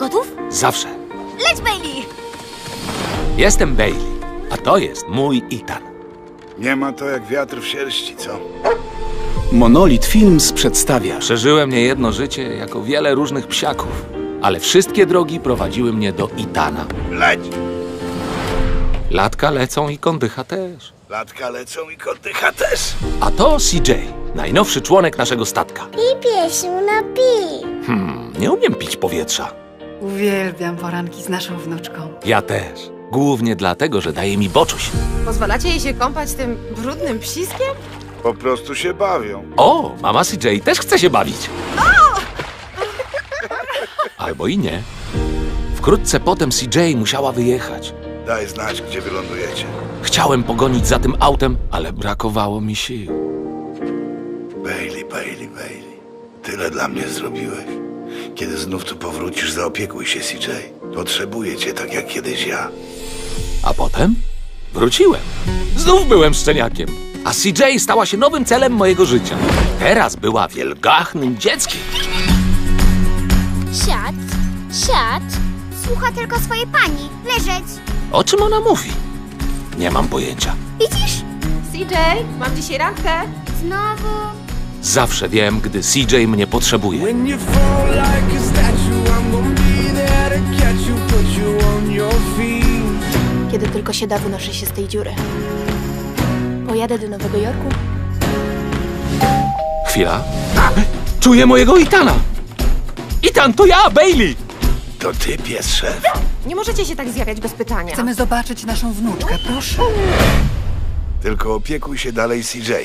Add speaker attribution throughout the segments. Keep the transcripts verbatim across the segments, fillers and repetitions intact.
Speaker 1: Gotów?
Speaker 2: Zawsze.
Speaker 1: Leć, Bailey!
Speaker 2: Jestem Bailey, a to jest mój Ethan.
Speaker 3: Nie ma to jak wiatr w sierści, co?
Speaker 4: Monolith Films przedstawia
Speaker 2: Przeżyłem niejedno życie jako wiele różnych psiaków, ale wszystkie drogi prowadziły mnie do Ethana.
Speaker 3: Leć!
Speaker 2: Latka lecą i kondycha też.
Speaker 3: Latka lecą i kotycha też.
Speaker 2: A to C J, najnowszy członek naszego statka.
Speaker 5: Pij, piesiu, napij.
Speaker 2: Hmm, nie umiem pić powietrza.
Speaker 6: Uwielbiam poranki z naszą wnuczką.
Speaker 2: Ja też. Głównie dlatego, że daje mi boczuś.
Speaker 7: Pozwalacie jej się kąpać tym brudnym psiskiem?
Speaker 3: Po prostu się bawią.
Speaker 2: O, mama C J też chce się bawić. Albo i nie. Wkrótce potem C J musiała wyjechać.
Speaker 3: Daj znać, gdzie wylądujecie.
Speaker 2: Chciałem pogonić za tym autem, ale brakowało mi sił.
Speaker 3: Bailey, Bailey, Bailey. Tyle dla mnie zrobiłeś. Kiedy znów tu powrócisz, zaopiekuj się, C J. Potrzebuję cię tak jak kiedyś ja.
Speaker 2: A potem wróciłem. Znów byłem szczeniakiem. A C J stała się nowym celem mojego życia. Teraz była wielgachnym dzieckiem.
Speaker 5: Siad, siad. Słucha tylko swojej pani. Leżeć.
Speaker 2: O czym ona mówi? Nie mam pojęcia.
Speaker 5: Widzisz?
Speaker 7: C J, mam dzisiaj randkę.
Speaker 5: Znowu.
Speaker 2: Zawsze wiem, gdy C J mnie potrzebuje.
Speaker 8: When you fall like a statue, I'm gonna be there to catch you, put you on your feet.
Speaker 1: Kiedy tylko się da, wynoszę się z tej dziury. Pojadę do Nowego Jorku.
Speaker 2: Chwila. Czuję mojego Ethana! Ethan, to ja, Bailey!
Speaker 3: To ty, pies szef.
Speaker 7: Nie możecie się tak zjawiać bez pytania.
Speaker 6: Chcemy zobaczyć naszą wnuczkę, proszę.
Speaker 3: Tylko opiekuj się dalej, C J.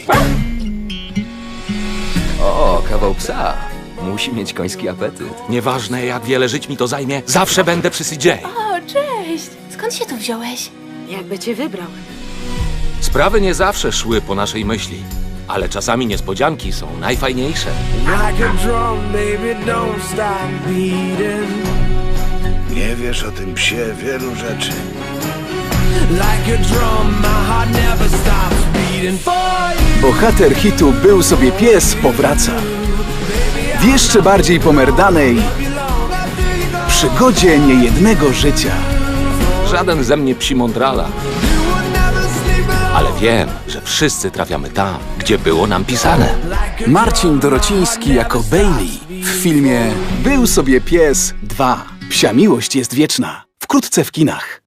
Speaker 9: O, kawał psa. Musi mieć koński apetyt.
Speaker 2: Nieważne, jak wiele żyć mi to zajmie, zawsze będę przy C J.
Speaker 1: O, cześć! Skąd się tu wziąłeś?
Speaker 7: Jakby cię wybrał.
Speaker 2: Sprawy nie zawsze szły po naszej myśli, ale czasami niespodzianki są najfajniejsze.
Speaker 8: Like a drum, baby, don't stop beating.
Speaker 3: Nie wiesz o tym psie wielu rzeczy.
Speaker 8: Like a drum, my heart never stops beating for you.
Speaker 4: bohater hitu Był sobie pies powraca w jeszcze bardziej pomerdanej przygodzie niejednego życia.
Speaker 2: Żaden ze mnie psi mądrala, ale wiem, że wszyscy trafiamy tam, gdzie było nam pisane.
Speaker 4: Marcin Dorociński jako Bailey w filmie Był sobie pies dwa. Psia miłość jest wieczna. Wkrótce w kinach.